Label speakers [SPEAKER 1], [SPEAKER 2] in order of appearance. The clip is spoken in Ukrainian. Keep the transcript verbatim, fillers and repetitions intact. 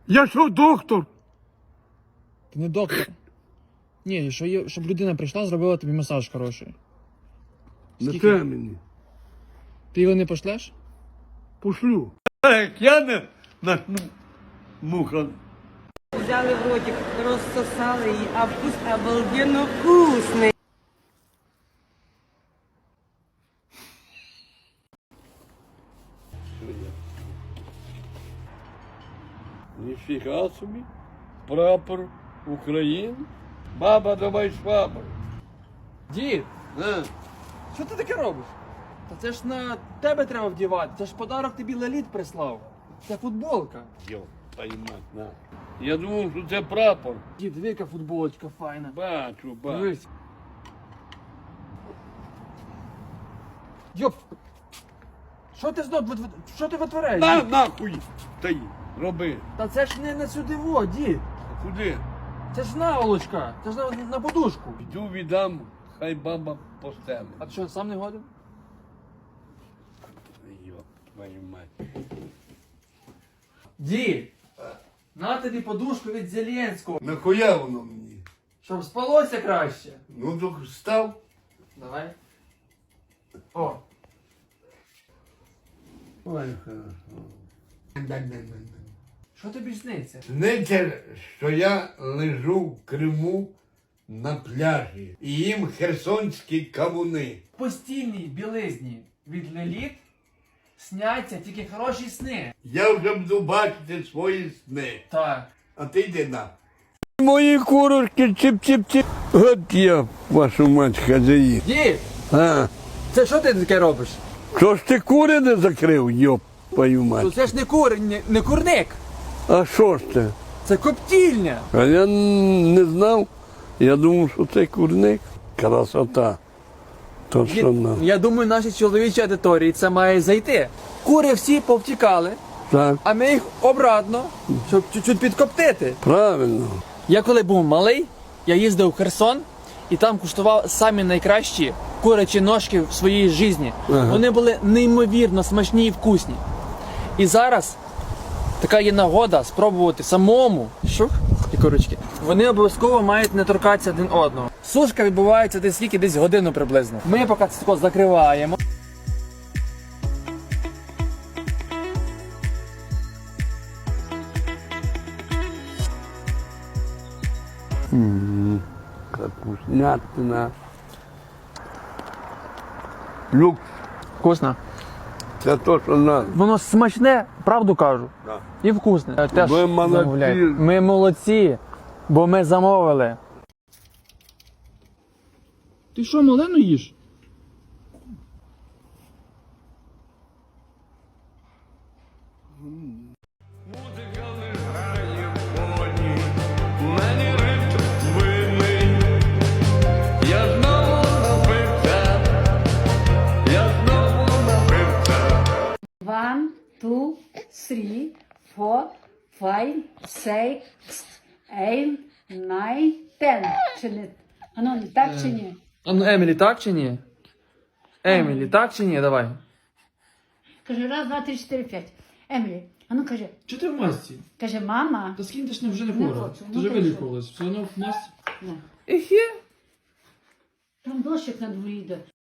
[SPEAKER 1] Я що, доктор?
[SPEAKER 2] Ти не доктор. Ні, що є, щоб людина прийшла, зробила тобі масаж хороший.
[SPEAKER 1] Не
[SPEAKER 2] Скільки?
[SPEAKER 1] треба мені.
[SPEAKER 2] Ти його не пошлеш?
[SPEAKER 1] Пошлю. Як я не начну муха.
[SPEAKER 3] Взяли в ротик, розсосали її, а вкус обалденно вкусний.
[SPEAKER 1] Ніфіга собі. Прапор України. Баба, давай швабру.
[SPEAKER 2] Дід,
[SPEAKER 1] На.
[SPEAKER 2] що ти таке робиш? Та це ж на тебе треба вдівати. Це ж подарок тобі Леліт прислав. Це футболка.
[SPEAKER 1] Йо, поймать, на. Я думав, що це прапор.
[SPEAKER 2] Дід, диви, яка футболочка файна.
[SPEAKER 1] Бачу, бачу.
[SPEAKER 2] Дивись. Йоп! Що ти знов, вит- вит- що ти витворяєш?
[SPEAKER 1] На,
[SPEAKER 2] дід?
[SPEAKER 1] нахуй! Та й, роби.
[SPEAKER 2] Та це ж не на сюди во, дід.
[SPEAKER 1] Куди?
[SPEAKER 2] Це ж наволочка. Це ж на, на подушку.
[SPEAKER 1] Йду віддам, хай баба постелить.
[SPEAKER 2] А ти що, сам не годен?
[SPEAKER 1] Йо, твою мать.
[SPEAKER 2] Дід! На тобі подушку від Зеленського.
[SPEAKER 1] Нахуя воно мені?
[SPEAKER 2] Щоб спалося краще.
[SPEAKER 1] Ну, то став.
[SPEAKER 2] Давай. О.
[SPEAKER 1] Ой, хорошо.
[SPEAKER 2] Що тобі сниться?
[SPEAKER 1] Сниться, що я лежу в Криму на пляжі і їм херсонські кавуни.
[SPEAKER 2] В постільній білизні від Леліт сняться тільки хороші сни.
[SPEAKER 1] Я вже буду бачити свої сни.
[SPEAKER 2] Так.
[SPEAKER 1] А ти йди на. Мої курочки чіп-чіп-чіп. От я, вашу мать, хазяїн.
[SPEAKER 2] Дід!
[SPEAKER 1] А,
[SPEAKER 2] Це що ти таке робиш?
[SPEAKER 1] що ж ти кури не закрив, йоп, твою
[SPEAKER 2] Ну
[SPEAKER 1] мать.
[SPEAKER 2] це ж не кур, не, не курник.
[SPEAKER 1] А що ж це?
[SPEAKER 2] Це коптільня.
[SPEAKER 1] А я не знав. Я думав, що це курник. Красота. То що
[SPEAKER 2] Дід,
[SPEAKER 1] на.
[SPEAKER 2] я думаю, нашій чоловічій аудиторії це має зайти. Кури всі повтікали,
[SPEAKER 1] Так,
[SPEAKER 2] а ми їх обратно, щоб чуть-чуть підкоптити.
[SPEAKER 1] правильно.
[SPEAKER 2] Я коли був малий, я їздив в Херсон і там куштував самі найкращі курячі ножки в своїй житті.
[SPEAKER 1] Ага.
[SPEAKER 2] Вони були неймовірно смачні і вкусні. І зараз така є нагода спробувати самому. Шух, і курочки. Вони обов'язково мають не торкатися один одного. Сушка відбувається десь скільки, десь годину приблизно. Ми поки це тако закриваємо.
[SPEAKER 1] Капуснятина. Люкс.
[SPEAKER 2] Вкусно.
[SPEAKER 1] Це то, що надо.
[SPEAKER 2] Воно смачне, правду кажу.
[SPEAKER 1] Да.
[SPEAKER 2] І вкусне. Теж
[SPEAKER 1] Ви молодці.
[SPEAKER 2] замовляйте. Ми молодці, бо ми замовили. Ти що, малену їш?
[SPEAKER 1] Музика лежає в полі, мені ритм винний. Я знову напився, я знову напився.
[SPEAKER 4] One, two, three, four, five, six, eight, nine, ten. Чи не? А ну, так чи ні?
[SPEAKER 2] А ну, Емілі, так чи ні? Емілі, так чи ні? Давай.
[SPEAKER 4] Каже, раз, два, три, чотири, п'ять. Емілі, а ну каже,
[SPEAKER 2] Чи ти в масці?
[SPEAKER 4] каже, мама.
[SPEAKER 2] Та скинь, ти ж не вже не
[SPEAKER 4] Не
[SPEAKER 2] хвора.
[SPEAKER 4] хочу,
[SPEAKER 2] Ти
[SPEAKER 4] ну
[SPEAKER 2] вже
[SPEAKER 4] ти що?
[SPEAKER 2] вилікувалась. Все одно в масці.
[SPEAKER 4] Не.
[SPEAKER 2] Ехе.
[SPEAKER 4] Там дощик на дворі йде.